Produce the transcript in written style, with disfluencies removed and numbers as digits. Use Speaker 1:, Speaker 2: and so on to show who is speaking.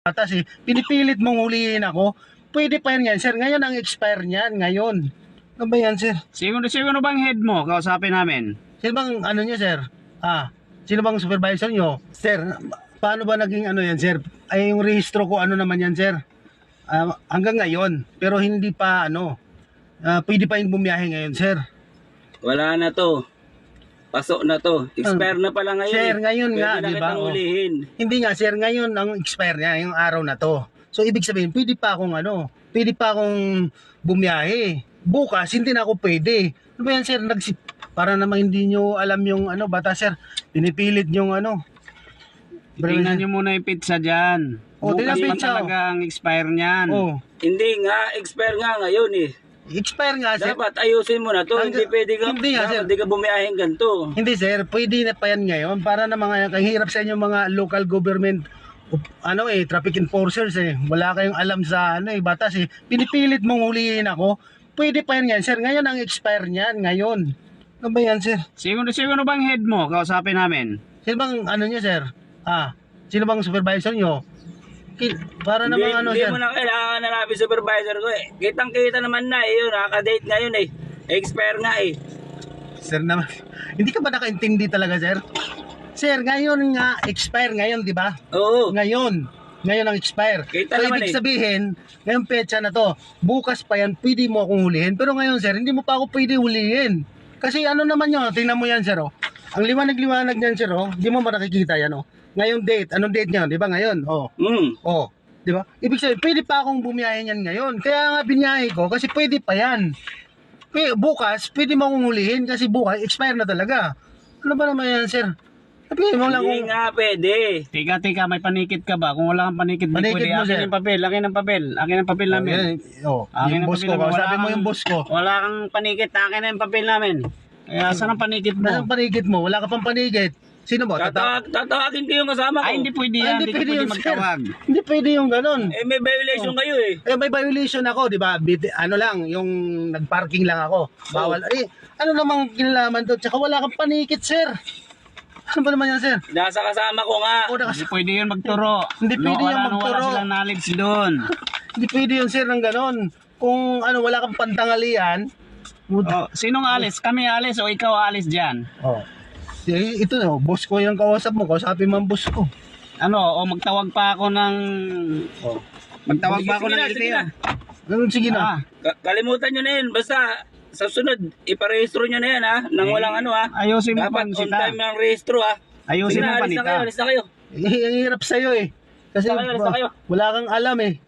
Speaker 1: batas eh. Pinipilit mong huliin ako. Pwede pa yan, sir. Ngayon ang expire niyan, ngayon. Ano ba yan, sir?
Speaker 2: Sino bang head mo? Kausapin namin.
Speaker 1: Sino bang ano niya, sir? Sino bang supervisor niyo? Sir, paano ba naging ano yan, sir? Ay, yung rehistro ko, ano naman yan, sir? Hanggang ngayon. Pero hindi pa, pwede pa yung bumiyahe ngayon, sir.
Speaker 3: Wala na to. Pasok na to. Expire na pala ngayon.
Speaker 1: Sir, ngayon
Speaker 3: Pwede
Speaker 1: nga,
Speaker 3: na
Speaker 1: di ba?
Speaker 3: kitang hulihin.
Speaker 1: Hindi nga, sir, ngayon ang expire niya, yung araw na to. So, ibig sabihin, pwede pa akong bumiyahe. Bukas, hindi na ako pwede. Ano ba yan, sir? Para naman hindi nyo alam yung bata, sir. Pinipilit yung
Speaker 2: Tingnan nyo muna yung pizza dyan.
Speaker 1: Tingnan
Speaker 2: Bukas pa
Speaker 1: pizza,
Speaker 2: talaga ang expire niyan.
Speaker 3: Hindi nga, expire nga ngayon eh.
Speaker 1: Expire nga, sir.
Speaker 3: Dapat ayusin mo na to. Hindi pwede ka,
Speaker 1: Hindi nga, sir.
Speaker 3: hindi ka bumiyaheng ganito.
Speaker 1: Hindi, sir. Pwede na pa yan ngayon para na kahirap sa inyo mga local government traffic enforcers eh. Wala kayong alam sa batas eh. Pinipilit mong huliin ako. Pwede pa yan, sir. Ngayon ang expire niyan, ngayon. Ano ba yan, sir?
Speaker 2: Sino bang head mo? Kausapin namin.
Speaker 1: Sino bang niyo, sir? Sino bang supervisor niyo? Para namang
Speaker 3: Hindi
Speaker 1: sir.
Speaker 3: mo na kailangan hanapin supervisor ko eh. Kitang-kita naman na eh. Yun, nakaka-date ngayon eh. Expire nga eh.
Speaker 1: Sir naman. Hindi ka ba nakaintindi talaga, sir? Sir, ngayon nga, expire ngayon, di ba?
Speaker 3: Oo.
Speaker 1: Ngayon ang expire.
Speaker 3: Kita
Speaker 1: So,
Speaker 3: naman
Speaker 1: ibig
Speaker 3: eh.
Speaker 1: sabihin, ngayong petsa na to, bukas pa yan, pwede mo akong hulihin. Pero ngayon, sir, hindi mo pa ako pwede hulihin. Kasi naman yun, tingnan mo yan, sir, oh. Ang liwanag-liwanag niyan, sir, oh. Di mo makikita yan, oh. Ngayong date, anong date niya, di ba ngayon? Di ba? Ibig sabihin, pwede pa akong bumiyahe niyan ngayon. Kaya nga biniyahe ko, kasi pwede pa yan. Bukas, pwede mo akong hulihin, kasi bukas, expire na talaga. Ano ba naman yan, sir? Sabihin mo lang
Speaker 3: Hindi
Speaker 1: kung...
Speaker 3: nga pwede.
Speaker 2: Teka, may panikit ka ba? Kung wala kang panikit, di
Speaker 1: Panikit
Speaker 2: pwede.
Speaker 1: mo,
Speaker 2: Akin
Speaker 1: sir.
Speaker 2: yung papel. Akin ang papel namin.
Speaker 1: Yung boss ko, sabi mo yung boss ko.
Speaker 2: Wala kang panikit, akin na yung papel namin. Kaya saan ang panikit mo?
Speaker 1: Anong panigit mo? Wala ka pang panigit. Sino mo?
Speaker 3: Tatawagin ko yung kasama ko.
Speaker 2: Ay, hindi pwede yan. Hindi pwede
Speaker 1: yun, sir.
Speaker 2: magtawag.
Speaker 1: Hindi pwede yung ganun.
Speaker 3: Eh, may violation kayo eh.
Speaker 1: May violation ako, di ba? Yung nag-parking lang ako. Bawal. Ano namang kinalaman doon? Tsaka wala kang panikit, sir. Ano ba naman yan, sir?
Speaker 3: Nasa kasama ko nga.
Speaker 2: Hindi pwede yun magturo.
Speaker 1: Hindi pwede yan
Speaker 2: Wala
Speaker 1: magturo.
Speaker 2: silang knowledge doon.
Speaker 1: Hindi pwede yun, sir, ng ganun. Kung wala kang pantangalian.
Speaker 2: Sinong alis? Kami alis o ikaw alis dyan?
Speaker 1: Ito boss ko yung kausap mo. Kausapin mo ang boss ko.
Speaker 2: Magtawag pa ako ng... Magtawag pa ako ng
Speaker 3: Sige na.
Speaker 1: Ganun, sige na.
Speaker 3: Kalimutan nyo na yun. Basta sa sunod, iparehistro nyo na yan ha. Nang walang
Speaker 2: Ayusin mo
Speaker 3: Dapat on
Speaker 2: pansita.
Speaker 3: time ng rehistro ha.
Speaker 2: Ayusin
Speaker 3: Sige
Speaker 2: mo
Speaker 3: na, alis na
Speaker 2: panita.
Speaker 3: kayo, alis na kayo.
Speaker 1: Ang hirap sa'yo eh. Kasi
Speaker 3: Alis na kayo.
Speaker 1: wala kang alam eh.